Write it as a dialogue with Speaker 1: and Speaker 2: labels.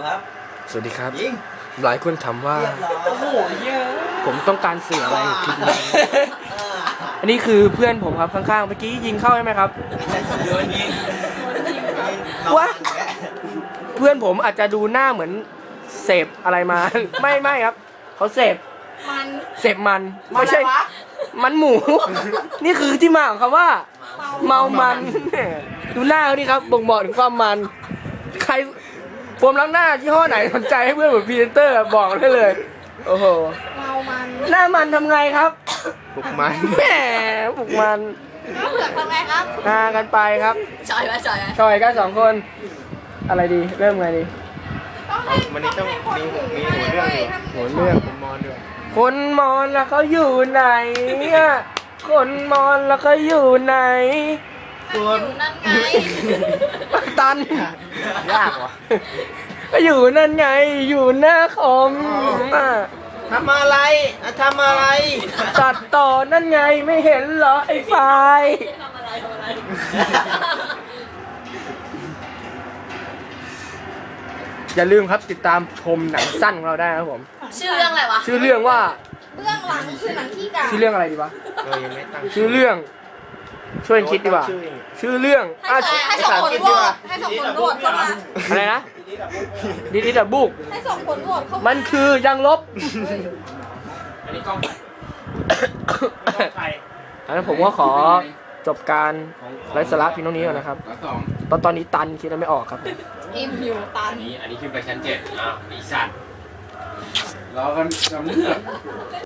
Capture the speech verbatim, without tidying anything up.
Speaker 1: ครับ
Speaker 2: สวัสดีครับ
Speaker 1: ยิง
Speaker 2: หลายคนถามว่า
Speaker 1: เรียบร้อย
Speaker 3: โอ้โหเยอะ
Speaker 2: ผมต้องการสื่ออะไรกับคลิปนี้ อันนี้คือเพื่อนผมครับข้างๆเมื่อกี้ยิงเข้าใช่ไหมครับ
Speaker 1: โดนยิง
Speaker 2: วะ เพื่อนผมอาจจะดูหน้าเหมือนเสพอะไรมา ไม่ไม่ครับเขาเสพ
Speaker 3: มัน
Speaker 2: เสพมันไม่ใช่มันหมู นี่คือที่มาของคำว่า เมามัน ดูหน้าเขาดิครับบ่งบอกถึงความมัน ใครโฟมล้างหน้ายี่ห้อไหนสนใจให้เพื่อนผมพรีเซนเตอร์บอกได้เลย โอ้โห
Speaker 3: เมามัน
Speaker 2: หน้ามันทำไงครับปลุกมันแหมปลุกมัน
Speaker 3: แล้วเผือกทำไงครับ
Speaker 2: หากันไปครับ
Speaker 3: จอยไหมจอยไหม
Speaker 2: ชอยกันสองคน อะไรดีเริ่มไงดี
Speaker 3: ต้องให้
Speaker 4: วันนี้ต้องมีมีหัวเรื่องอยู่
Speaker 2: หัวเรื่อง
Speaker 4: ผมมอนด้วย
Speaker 2: คนมอนแล้วเขาอยู่ไหนอะคนมอนแล้วเขาอยู่ไหน
Speaker 3: ส่วนนั่นไง
Speaker 2: ตัน
Speaker 4: ยากว่ะ
Speaker 2: ก็อยู่นั่นไง อยู่หน้าคอมอ่ะ
Speaker 4: ทำอะไรอะทำอะไร
Speaker 2: ตัดต่อนั่นไงไม่เห็นเหรอไอ้ไฟล์
Speaker 3: ทำอะไรทำอะไร
Speaker 2: อย่าลืมครับติดตามชมหนังสั้นของเราได้นะครับผม
Speaker 3: ชื่อเรื่องอะไรวะ
Speaker 2: ชื่อเรื่องว่า
Speaker 3: เบื้องหลังคือหนังขี้กา
Speaker 2: ชื่อเรื่องอะไรดีวะ
Speaker 4: เออยังไม่ตั้ง
Speaker 2: ชื่อเรื่อง ช่วยคิดดีกว่า
Speaker 4: ชื่อเอง
Speaker 2: ชื่อเรื่อง
Speaker 3: ให้
Speaker 2: อ่ะ
Speaker 3: สองให้สองคนโหวตให้สองคนโหวตเข้ามา
Speaker 2: อะไรนะดิดิดับบุก
Speaker 3: ให้สองคนโหวตเข้ามา
Speaker 2: มันคือยังลบ
Speaker 4: อันนี้กล้องใคร
Speaker 2: แล้วผมก็ขอจบการไร้สาระเพียงเท่านี้ก่อนนะครับ
Speaker 5: สอง
Speaker 2: ตอนตอนนี้ตันคิดอะไรไม่ออกครับ
Speaker 3: อิ่มอยู่ตัน
Speaker 5: อันนี้อันนี้ขึ้นไปชั้นเจ็ดอ้าวไอีสัตว์รอกันจำเนื้อ